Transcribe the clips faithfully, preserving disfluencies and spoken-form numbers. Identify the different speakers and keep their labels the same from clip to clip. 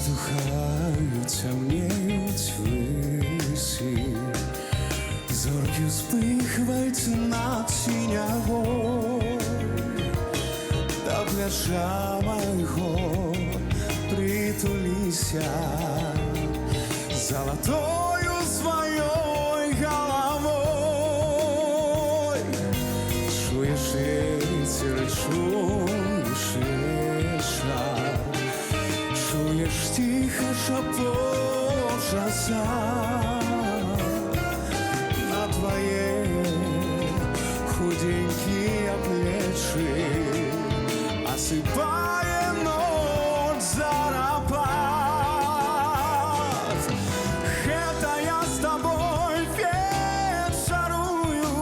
Speaker 1: Вздухають, темніють висі, зорки спихваються на тінях, та плеча мого притулися золотою своєю головою. Чуєш ветер, чуєш ветер, чуєш тихо шепочется на твои худенькие плечи, осыпая ночь зарапат. Это я с тобой вечерую,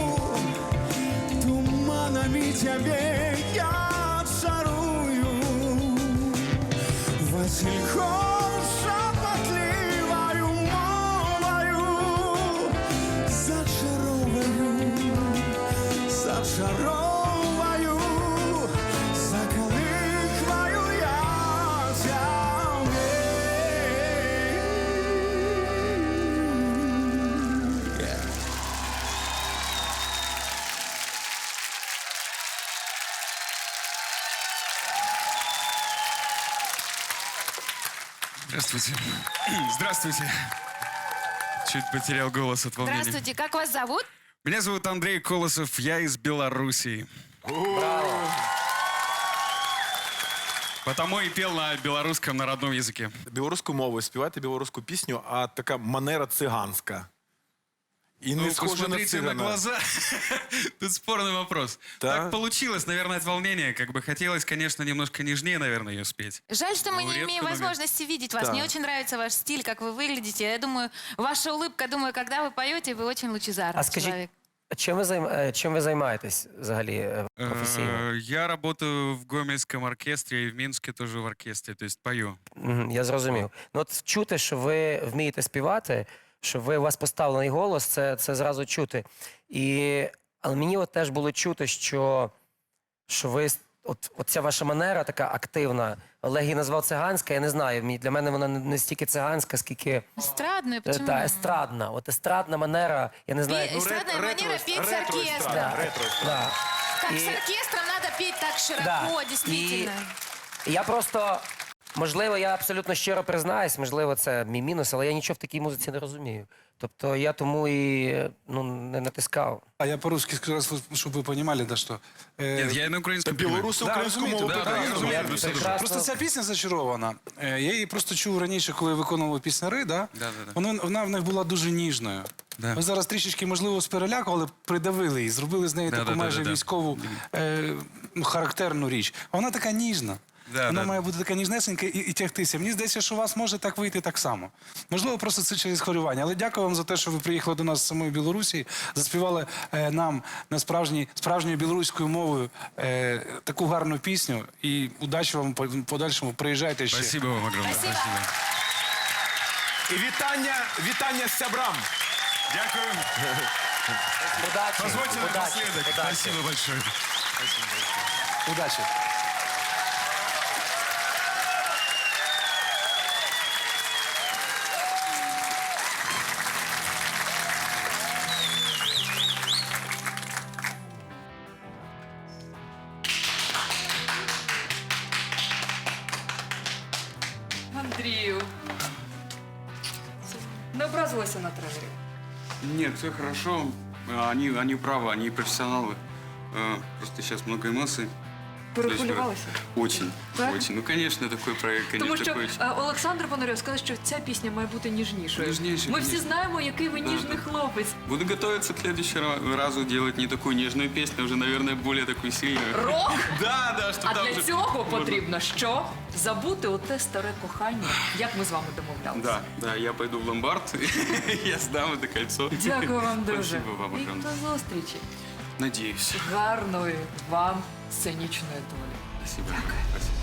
Speaker 1: туманами тебе я чарую, Васильком шепотливою мовою зачаровую, зачаровую, заколихваю я тебе.
Speaker 2: Здравствуйте. Здравствуйте. Чуть потерял голос от волнения.
Speaker 3: Здравствуйте, как вас зовут?
Speaker 2: Меня зовут Андрей Колосов, я из Белоруссии. Потому и пел на белорусском народном языке.
Speaker 4: Білоруською мовою співати білоруську пісню, а така манера циганська. І не
Speaker 2: Ну,
Speaker 4: схоже на
Speaker 2: посмотрите на
Speaker 4: цигана.
Speaker 2: глаза. Тут спорный вопрос.
Speaker 4: Да?
Speaker 2: Так получилось, наверное, от волнения. Как бы хотелось, конечно, немножко нежнее, наверное, ее спеть.
Speaker 3: Жаль, что мы
Speaker 2: Ну,
Speaker 3: не
Speaker 2: редко,
Speaker 3: имеем
Speaker 2: но-
Speaker 3: возможности видеть вас.
Speaker 4: Да.
Speaker 3: Мне очень нравится ваш стиль, как вы выглядите. Я думаю, ваша улыбка, думаю, когда вы поете, вы очень лучезарный
Speaker 5: А скажіть,
Speaker 3: человек.
Speaker 5: чим ви, займ... е, чим ви займаєтесь взагалі е, професійно?
Speaker 2: Э, Я работаю в Гомельском оркестре и в Минске тоже в оркестре, то есть пою.
Speaker 5: Мгм, я зрозумів. Ну от чути, що ви вмієте співати, що ви у вас поставлений голос, це, це зразу чути. І... Але мені от теж було чути, що, що ви, с- от, от ця ваша манера така активна, Олег її назвав циганська, я не знаю, мені- для мене вона не, не стільки циганська, скільки
Speaker 3: Эстрадную,
Speaker 5: е,
Speaker 3: почему?
Speaker 5: та, естрадна. От естрадна манера, я не знаю.
Speaker 3: Пе- Эстрадная манера петь с
Speaker 4: ретро-естра-
Speaker 3: оркестром.
Speaker 4: да, ретро.
Speaker 5: Да.
Speaker 3: Как
Speaker 5: И-
Speaker 3: с оркестром надо петь так широко,
Speaker 5: Да.
Speaker 3: действительно.
Speaker 5: І я просто, можливо, я абсолютно щиро признаюсь, можливо, це мій мінус, але я нічого в такій музиці не розумію. Тобто я тому і ну, не натискав.
Speaker 1: А я по-русски скажу, чтобы вы понимали, да, что... э,
Speaker 2: Нет, я на украинском понимаю.
Speaker 4: Білоруси
Speaker 1: Да,
Speaker 4: українську
Speaker 1: розумієте,
Speaker 4: мову
Speaker 1: да, да, я
Speaker 4: прекрасно
Speaker 1: розумію.
Speaker 4: знають.
Speaker 2: все дуже.
Speaker 5: Прекрасно.
Speaker 1: Просто ця пісня зачарована. Е, Я її просто чув раніше, коли виконував пісняри, да?
Speaker 2: Да, да, да.
Speaker 1: Вона, вона в них була дуже ніжною.
Speaker 2: Да.
Speaker 1: Ви зараз трішечки, можливо, з переляку, але придавили її, зробили з неї
Speaker 2: Да,
Speaker 1: таку
Speaker 2: да, да,
Speaker 1: майже
Speaker 2: да, да.
Speaker 1: військову е, ну, характерну річ. А вона така ніжна.
Speaker 2: Да,
Speaker 1: Вона
Speaker 2: да.
Speaker 1: має бути така ніжнесенька і, і тягтися. Мені здається, що у вас може так вийти так само. Можливо, просто це через хвилювання. Але дякую вам за те, що ви приїхали до нас з самої Білорусі, заспівали е, нам на справжній, справжньою білоруською мовою е, таку гарну пісню. І удачі вам в подальшому. Приїжджайте ще.
Speaker 2: Спасибо вам огромное.
Speaker 3: Спасибо.
Speaker 4: І вітання, вітання сябрам.
Speaker 2: Дякую.
Speaker 5: Удачі!
Speaker 2: Позвольте
Speaker 5: удачі,
Speaker 2: напоследок.
Speaker 5: удачі.
Speaker 2: Спасибо большое.
Speaker 1: Удачі.
Speaker 6: Андрію. Не образилася на тренерів?
Speaker 2: Нет, все хорошо. А, Они, они правы, они профессионалы. А, Просто сейчас много эмоций.
Speaker 6: Перехвилювалися?
Speaker 2: Очень,
Speaker 6: Так?
Speaker 2: очень. Ну, конечно, такой проект, конечно,
Speaker 6: Тому що
Speaker 2: такой...
Speaker 6: е, Олександр Пономарьов сказав, що ця пісня має бути ніжнішою.
Speaker 2: Ніжніше,
Speaker 6: Ми всі
Speaker 2: конечно.
Speaker 6: знаємо, який ви
Speaker 2: Да,
Speaker 6: ніжний
Speaker 2: да.
Speaker 6: хлопець.
Speaker 2: Буду готовиться к следующему разу делать не такую нежную песню, а уже, наверное, более такую сильную.
Speaker 6: Рок?
Speaker 2: Да, да, что
Speaker 6: А
Speaker 2: там
Speaker 6: для
Speaker 2: уже
Speaker 6: цього
Speaker 2: можно.
Speaker 6: потрібно що? Забути оте старе кохання, як ми з вами домовлялися.
Speaker 2: Да, да, я пойду в ломбард, я сдам это кольцо.
Speaker 6: Дякую вам дуже.
Speaker 2: Спасибо вам
Speaker 6: І
Speaker 2: огромное.
Speaker 6: до зустрічі.
Speaker 2: Надеюсь.
Speaker 6: Гарної вам сценічної долі.
Speaker 2: Спасибо. Спасибо.